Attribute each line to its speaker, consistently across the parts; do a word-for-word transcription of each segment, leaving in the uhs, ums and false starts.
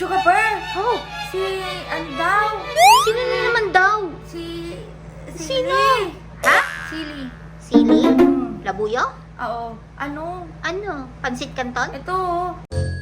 Speaker 1: Chukapper!
Speaker 2: Oh,
Speaker 1: Si, ano daw?
Speaker 2: sino na naman daw?
Speaker 1: Si, si
Speaker 2: Sino?
Speaker 1: Lee.
Speaker 2: Ha?
Speaker 1: Sili.
Speaker 2: Sili?
Speaker 1: Hmm.
Speaker 2: Labuyo?
Speaker 1: Oo. Ano?
Speaker 2: Ano? Pansit Canton?
Speaker 1: Ito. oh.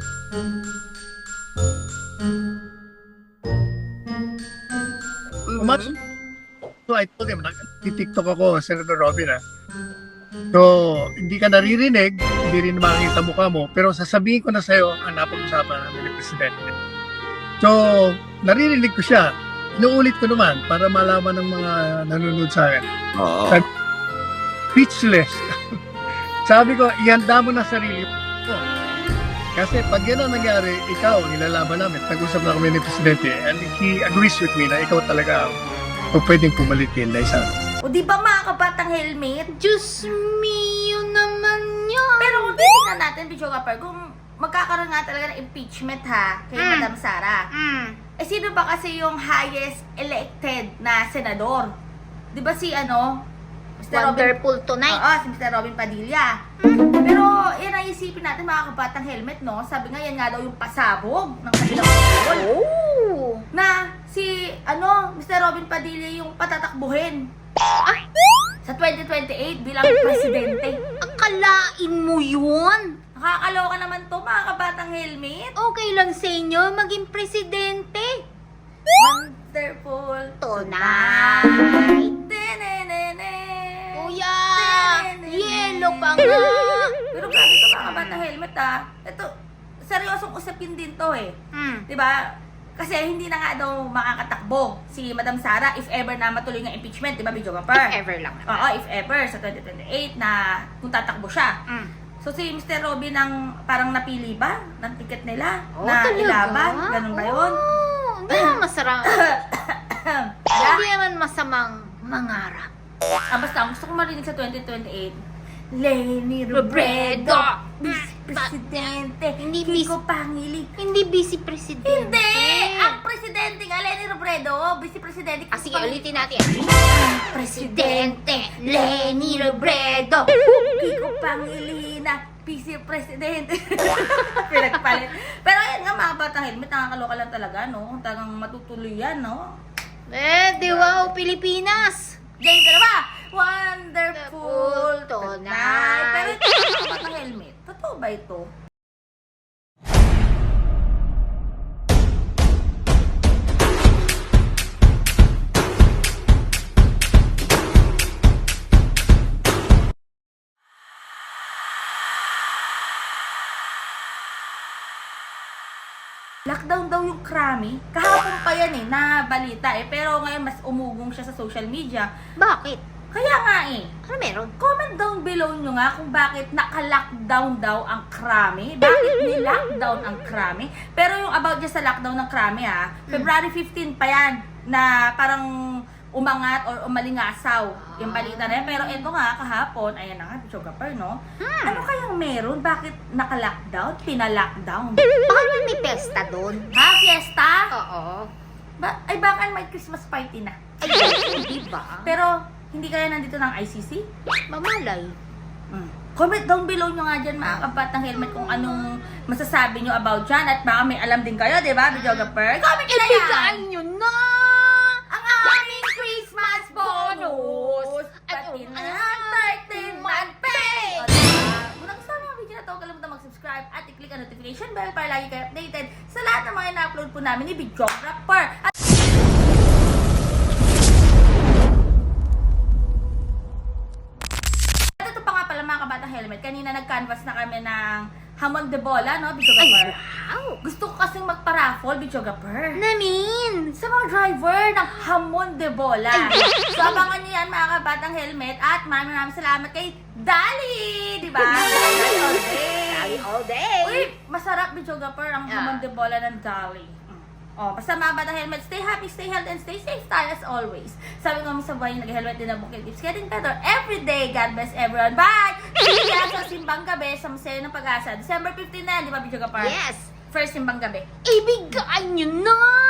Speaker 3: Umat. So I told him, nag-tiktok ako, Senator Robin ah. So, hindi ka naririnig, hindi rin makikita mukha mo, pero sasabihin ko na sa'yo ang napag-usapan namin ni Presidente. So, naririnig ko siya. Inuulit ko naman para malaman ng mga nanonood sa akin.
Speaker 4: Oo.
Speaker 3: Speechless. Sabi ko, ihanda mo na sarili mo. Kasi pag yan ang nangyari, ikaw, nilalaban namin. Nag-usap na kami ni Presidente and he agrees with me na ikaw talaga ang pwedeng pumalit kay Inday Sara.
Speaker 1: O di ba mga kabatang helmet?
Speaker 2: Diyos mio naman yan.
Speaker 1: Pero kung titignan natin, Chukapper, kung magkakaroon nga talaga ng impeachment ha, kay
Speaker 2: Mm.
Speaker 1: Madam Sara.
Speaker 2: Mm.
Speaker 1: Eh sino ba kasi yung highest elected na senador? Di ba si ano? mister
Speaker 2: Wonderful
Speaker 1: Robin,
Speaker 2: tonight.
Speaker 1: Oo, si mister Robin Padilla. Pero yan ang isipin natin mga kabatang helmet, no? Sabi nga yan nga daw yung pasabog ng kanilang poll.
Speaker 2: Oh.
Speaker 1: Na si ano, mister Robin Padilla yung patatakbuhin
Speaker 2: Ay,
Speaker 1: sa twenty twenty-eight bilang presidente.
Speaker 2: akalain mo yun?
Speaker 1: Nakakaloka naman to mga kabatang helmet.
Speaker 2: Okay lang sa inyo maging presidente.
Speaker 1: Wonderful
Speaker 2: Tonight.
Speaker 1: Tenenene.
Speaker 2: Kuya, yelo pa nga.
Speaker 1: Pero grabe to mga kabatang helmet ah. Ito, seryosong usapin din to eh.
Speaker 2: Mm.
Speaker 1: 'Di ba? Kasi hindi na nga daw makakatakbo si Madam Sara if ever na matuloy ng impeachment, 'di ba, Chukapper?
Speaker 2: If ever lang.
Speaker 1: Oo, if ever sa twenty twenty-eight na kung tatakbo siya.
Speaker 2: Mm.
Speaker 1: So si mister Robin ang parang napili ba ng ticket nila
Speaker 2: Oh,
Speaker 1: na
Speaker 2: talaga?
Speaker 1: ilaban? Ganun ba 'yun?
Speaker 2: Oh, hindi naman masarap. Hindi naman masamang mangarap.
Speaker 1: Ah, basta ang gusto ko marinig sa twenty twenty-eight, Leni Robredo, Vice Presidente,
Speaker 2: Hindi
Speaker 1: Kiko Pangilinan.
Speaker 2: Hindi busy presidente.
Speaker 1: Hindi! Ang presidente nga, Leni Robredo, Vice Presidente.
Speaker 2: Ah, sige, ulitin natin.
Speaker 1: Presidente,
Speaker 2: Leni Robredo.
Speaker 1: Kiko Pangilinan, Vice Presidente. Pinagpalit. Pero ayun nga mga batang helmet, nakakaloka lang talaga, no? Talagang matutuloy yan, no?
Speaker 2: Eh, di wow, Pilipinas.
Speaker 1: Game ka na ba? Wonderful
Speaker 2: Wonderful
Speaker 1: tonight.
Speaker 2: tonight.
Speaker 1: Pero ito mga batang helmet, totoo ba ito? Lockdown daw yung Krami. Kahapon pa yan eh, na balita eh. Pero ngayon mas umugong siya sa social media.
Speaker 2: Bakit?
Speaker 1: Kaya nga eh,
Speaker 2: Ano meron?
Speaker 1: comment down below nyo nga kung bakit naka-lockdown daw ang Krami. Bakit ni-lockdown ang Krami? Pero yung about dyan sa lockdown ng Krami ha, February fifteenth pa yan na parang umangat or umalingasaw yung balita na yan. Pero ito nga kahapon, ayan na nga, Chukapper, no?
Speaker 2: Hmm.
Speaker 1: Ano kayang meron? Bakit naka-lockdown? Pina-lockdown?
Speaker 2: Baka may may pesta doon.
Speaker 1: Ha? Fiesta?
Speaker 2: Oo.
Speaker 1: Ba ay baka may Christmas party na.
Speaker 2: Ay, di ba?
Speaker 1: Pero hindi kaya nandito ng I C C?
Speaker 2: Mamalay.
Speaker 1: Mm. Comment down below nyo nga dyan mga kabatang helmet kung anong masasabi nyo about dyan. At baka may alam din kayo, di ba, Videographer? Comment nyo na yan!
Speaker 2: Ibigay nyo na!
Speaker 1: Ang aming Christmas bonus!
Speaker 2: Ay,
Speaker 1: Pati
Speaker 2: oh,
Speaker 1: na
Speaker 2: ano?
Speaker 1: thirteen month pay! O, diba? Kung nagustuhan mo ang video na to, kalimutan mag-subscribe at i-click ang notification bell para lagi kayo updated sa lahat ng mga ina-upload po namin ni Videographer. At At ito pa nga pala mga kabatang helmet, kanina nag-canvas na kami ng hamon de bola, no, Videographer?
Speaker 2: Wow!
Speaker 1: Gusto ko kasing magpa-raffle, Videographer.
Speaker 2: Namin!
Speaker 1: Sa mga driver ng hamon de bola. So, abangan niyo yan mga kabatang helmet at maraming maraming salamat kay Dali! Di ba? Dali all day!
Speaker 2: Dali all day!
Speaker 1: Uy, masarap, Videographer, ang
Speaker 2: Yeah.
Speaker 1: hamon de bola ng Dali. Oh, basta mga batang helmet, stay happy, stay healthy, and stay safe tayo as always. Sabi ko sa buhay, nag-helmet din ang bukid. Keeps getting better every day. God bless everyone. Bye! See ya sa Simbang Gabi sa Museo ng Pag-asa. December fifteenth na yan, di ba, Videographer?
Speaker 2: Yes!
Speaker 1: First Simbang Gabi.
Speaker 2: Ibigay nyo na!